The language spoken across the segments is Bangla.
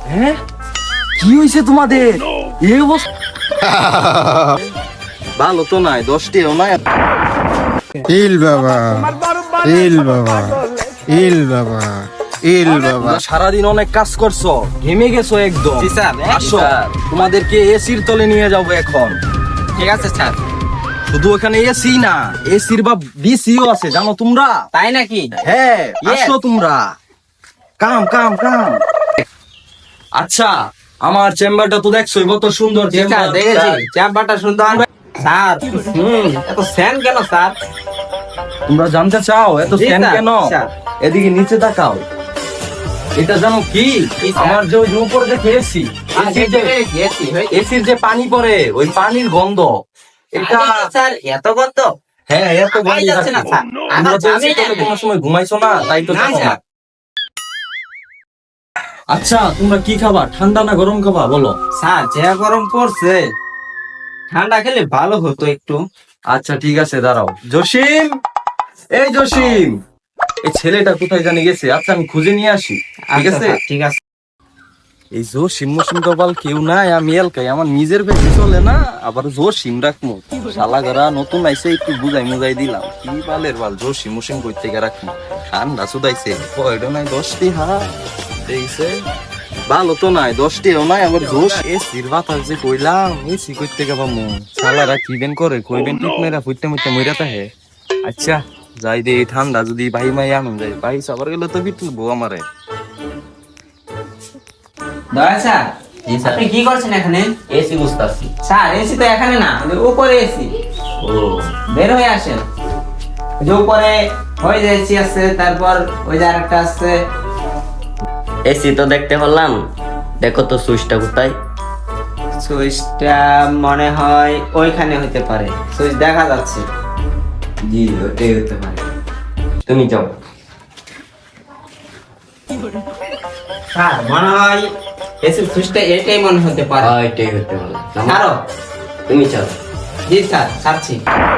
হ্যাঁ, কি হয়েছে তোমাদের? এই অবস্থা ভালো তো নাই, 10টিও নাই। ইল বাবা, ইল বাবা, ইল বাবা, ইল বাবা। সারাদিন অনেক কাজ করছো, ঘেমে গেছো একদম। জি স্যার, আসো, তোমাদেরকে এসির তলে নিয়ে যাবো এখন। ঠিক আছে স্যার। শুধু ওখানে এসি না, এসির বা বিসিও আছে, জানো তোমরা? তাই নাকি? হ্যাঁ, Yes. আসো তোমরা। কাম কাম কাম। আচ্ছা, আমার চেম্বারটা তো দেখছোই, কত সুন্দর জি স্যার, চেম্বার। দেখেছি চেম্বারটা সুন্দর। স্যার, এত ফ্যান কেন স্যার? তোমরা জানতে চাও এত জি ফ্যান স্যার, কেন? স্যার। এদিকে নিচে তাকাও। এটা জানো কি? কি স্যার? আমার যে ওই যে উপরে দেখে এসি, এসির যে পানি পড়ে, ওই পানির গন্ধ। এটা স্যার এত গন্ধ? হ্যাঁ, এত গন্ধ যাচ্ছে না স্যার। তোমরা তো আমি এসি তলে কোনো সময় ঘুমাইছো না, তাই তো না, জানো না। স্যার। আচ্ছা, তোমরা কি খাবা, ঠান্ডা না গরম খাবা বলো? স্যার যে গরম পড়ছে, ঠান্ডা খেলে ভালো হতো একটু। আচ্ছা ঠিক আছে, দাঁড়াও। জসিম, এই জসিম, এই ছেলেটা কোথায় জানি গেছে? আচ্ছা আমি খুঁজে নিয়ে আসি, ঠিক আচ্ছা, আছে? স্যার, ঠিক আছে। এই জসিম মসিম তো বল কেউ নাই, আমি এলকাই, আমার নিজের বেশি চলে না, আবার জসিম রাখমু। শালা গরা নতুন আইছে, একটু বুঝাই মুজাই দিলাম। কি বালের বাল, জসিম মসিম কই থেকে রাখমু? ঠান্ডা সুদাইছে, কয়টা নাই 10টি দেইছে। ভালো তো নাই, 10টিও নাই, আবার জোশ এসির বাতাস যে কইলাম, এসি কই থেকে পামু? শালারা কি বেন করে, কইবেন ঠিক মেরা ফুটতে মুটতে মইরা তাহে। আচ্ছা যাই দে, এই ঠান্ডা যদি ভাই মাই আনুন যায়, ভাই সবার গেলে তো বিটলবো আমারে। দয়া স্যার, আপনি কি করছেন এখানে? এসি বুঝতেছি। স্যার এসি তো এখানে না, ওই যে উপরে এসি। ও বের হয়ে আসেন। ওই যে উপরে হয়ে যায় এসি আছে, তারপর ওই যে আরেকটা আছে। এসি তো দেখতে পারলাম, দেখো তো সুইচটা কোথায়? সুইচটা মনে হয় ওইখানে হতে পারে, সুইচ দেখা যাচ্ছে। জি ওটাই হতে পারে, তুমি যাও। স্যার মনে হয় এসি সুইচটা এটাই মনে হতে পারে। হ্যাঁ এটাই হতে পারে। ছাড়ো। তুমি চাও। জি স্যার, ছাড়ছি।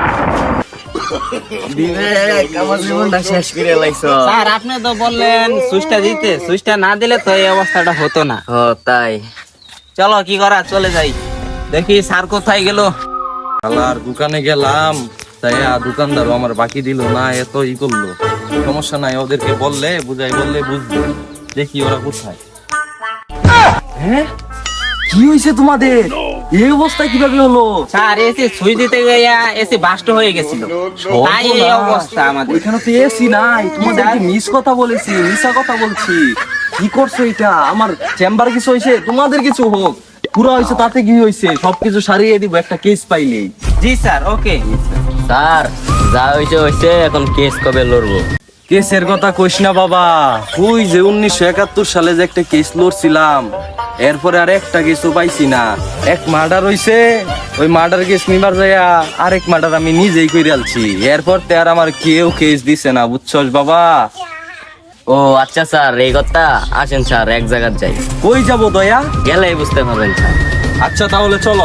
আমার জীবনটা শেষ করে লাইছো। স্যার আপনি তো বললেন সুইচটা দিতে, সুইচটা না দিলে তো এই অবস্থাটা হতো না। ও তাই? চলো কি করা, চলে যাই। দেখি স্যার কোথায় গেল। শালার দোকানে গেলাম, তাই দোকানদারও আমার বাকি দিল না, এত ই করলো। সমস্যা নাই, ওদেরকে বললে বুঝাই বললে বুঝবে। দেখি ওরা কোথায়। হ্যাঁ, কি হয়েছে তোমাদের? এই অবস্থা কিভাবে হলো? স্যার এসি সুইচ দিতে গিয়ে এসি বাস্ট হয়ে গেছিল, তাই এই অবস্থা আমাদের। ওইখানে তো এসি নাই, তোমাদেরকে মিস কথা বলেছি, মিশা কথা বলছি। কি করছো এটা? আমার চেম্বার কিছু হয়েছে, তোমাদের কিছু হোক, পুরো হয়েছে তাতে কি হয়েছে? সবকিছু সারিয়ে দিব একটা কেস পাইলেই। জি স্যার, ওকে। স্যার যা হয়েছে হয়েছে, এখন কেস কবে লড়বো? কেসের কথা কইস না বাবা, ওই যে 1971 সালে যে একটা কেস লড়ছিলাম, এরপরে আর একটা কেসও পাইছি না। এক মার্ডার হইছে, ওই মার্ডার কেস নিবার যাইয়া আরেক মার্ডার আমি নিজেই কইরা আলছি। এরপর তে আর আমার কেউ কেস দিছে না, বুঝছস বাবা? ও আচ্ছা স্যার, এই কথা। আসেন স্যার এক জায়গায় যাই। কই যাব দয়া? গেলেই বুঝতে পারবেন স্যার। আচ্ছা তাহলে চলো।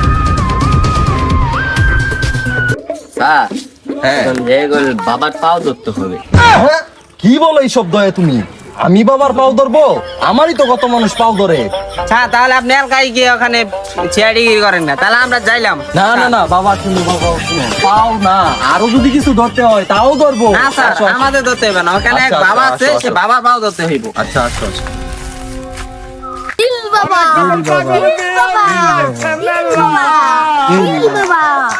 স্যার হ্যাঁ। এখন যে বাবার পাও ধরতে হবে। কি বলো এইসব দয়া তুমি? আমি বাবার পাও ধরবো? আমারই তো কত মানুষ পাও ধরে। স্যার তাহলে আপনি এলাকায় গিয়ে ওখানে চেয়ারিগিরি করেন না, তাহলে আমরা যাইলাম। না না না বাবা, শুনো বাবা, শুনো, পাও না, আরো যদি কিছু ধরতে হয় তাও ধরবো। না স্যার, আসো, আসো। আমাদের ধরতে হবে না, ওখানে এক আচ্ছা, বাবা আচ্ছা, আছে, আসো, সে আসো। বাবা পাও ধরতে হইব। আচ্ছা আচ্ছা আচ্ছা। দিল বাবা দিল বাবা দিল বাবা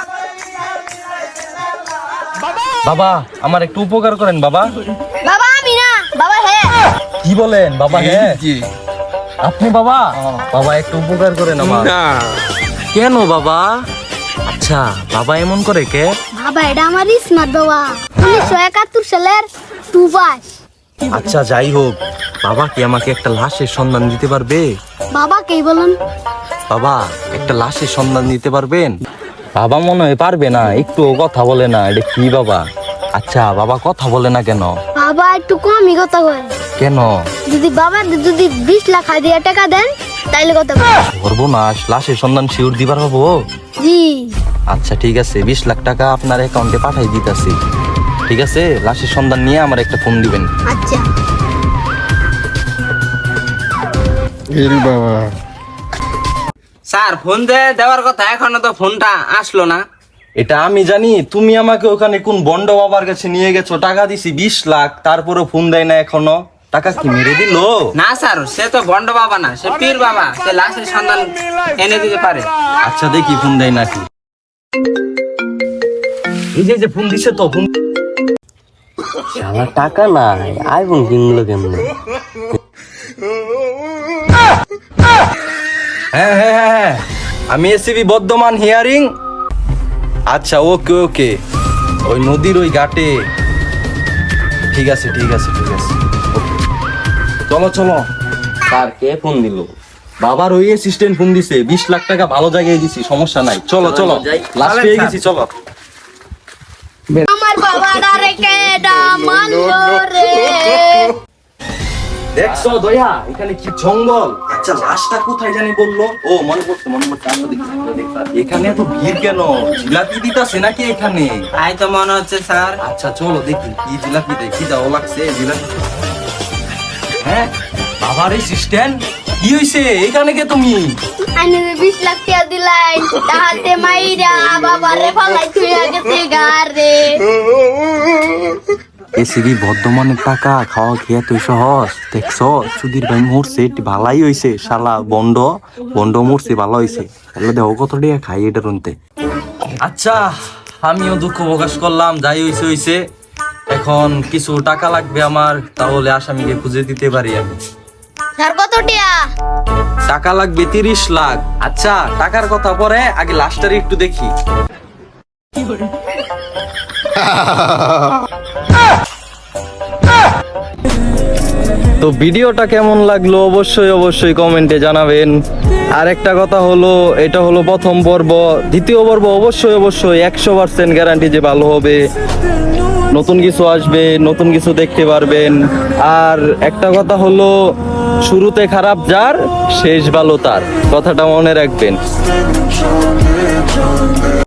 বাবা আমার একটু উপকার করেন বাবা। বাবা আমি না বাবা হ্যাঁ কি বলেন বাবা? হ্যাঁ আপনি বাবা? বাবা একটু উপকার করেন আমার। কেন বাবা? আচ্ছা বাবা এমন করে কে? বাবা এটা আমার স্মার্ট বাবা 1971 সালের টুবাস। আচ্ছা যাই হোক, বাবা কি আমাকে একটা লাশের সন্ধান দিতে পারবে? বাবা কে বলেন? বাবা একটা লাশের সন্ধান দিতে পারবেন? বাবা মনে হয় পারবে না, একটু কথা বলে না। এটা কি বাবা? আচ্ছা বাবা কথা বলে না কেন? বাবা একটু কমই কথা কয়। কেন? যদি 20 লাখ হাজার টাকা দেন তাইলে কথা কয়। সর্বনাশ, লাশের সন্ধান শিওর দিবার হবো? জি আচ্ছা ঠিক আছে, 20 লাখ টাকা আপনার অ্যাকাউন্টে পাঠাই দিতেছি। ঠিক আছে, লাশের সন্ধান নিয়ে আমার একটা ফোন দিবেন। আচ্ছা ইল বাবা স্যার ফোন দেওয়ার কথা, এখনো তো ফোনটা আসলো না। এটা আমি জানি, তুমি আমাকে ওখানে কোন বন্ড বাবার কাছে নিয়ে গেছো, টাকা দিছি 20 লাখ, তারপরে ফোন দেয় না এখনো। টাকা কি মেরে দিল? না স্যার, সে তো বন্ড বাবা না, সে পীর বাবা, সে লাশের সন্ধান এনে দিতে পারে। আচ্ছা দেখি ফোন দেয় নাকি। এই যে ফোন দিছে তো, ফোন। শালা টাকা নাই, আইফোন কিনলো কেমনে? হ্যাঁ হ্যাঁ হ্যাঁ হ্যাঁ, আমি এসিবি বর্ধমান হিয়ারিং। আচ্ছা ওকে ওকে, ওই নদীর ওই ঘাটে। ঠিক আছে ঠিক আছে ঠিক আছে, ওকে চলো চলো। স্যার কে ফোন দিল? বাবার ওই অ্যাসিস্ট্যান্ট ফোন দিছে, 20 লাখ টাকা ভালো জায়গায় দিছি, সমস্যা নাই। চলো চলো, যাই। লাস্ট পেয়ে গেছি, চলো। আমার বাবার আরে কেডা মানলো রে। দেখছো দয়া, এখানে কি জঙ্গল। আচ্ছা লাশটা কোথায় জানি বললো? ও মনে পড়ছে মনে পড়ছে, আমরা দেখি, আমরা দেখি। এখানে এত ভিড় কেন? জিলাপি দিতাছে নাকি এখানে? তাই তো মনে হচ্ছে স্যার। আচ্ছা চলো দেখি কি জিলাপি দেয়, কি যাও লাগছে জিলাপি। হ্যাঁ বাবার অ্যাসিস্ট্যান্ট, কি হইছে? এখানে কে তুমি? আইনে 20 লাখ টাকা দিলাই, তাহাতে মাইরা বাবারে ফালাই থুইয়া গেছে গারে। এসিবি বর্ধমানের টাকা খাওয়া খেয়ে তুই সহজ দেখছো? সুধীর ভাই মরছে, এটি ভালাই হইছে। শালা বন্ড বন্ড মরছে, ভালো হইছে। তাহলে দেখো কত টাকা খাই এটা রুনতে। আচ্ছা আমিও দুঃখ প্রকাশ করলাম, যাই হইছে হইছে। এখন কিছু টাকা লাগবে আমার, তাহলে আসামিকে খুঁজে দিতে পারি আমি। স্যার কত টাকা? টাকা লাগবে 30 লাখ। আচ্ছা টাকার কথা পরে, আগে লাস্টারে একটু দেখি। তো ভিডিওটা কেমন লাগলো অবশ্যই অবশ্যই কমেন্টে জানাবেন। আর একটা কথা হলো, এটা হলো প্রথম পর্ব। দ্বিতীয় পর্ব অবশ্যই অবশ্যই 100% গ্যারান্টি যে ভালো হবে, নতুন কিছু আসবে, নতুন কিছু দেখতে পারবেন। আর একটা কথা হলো, শুরুতে খারাপ যার, শেষ ভালো তার, কথাটা মনে রাখবেন।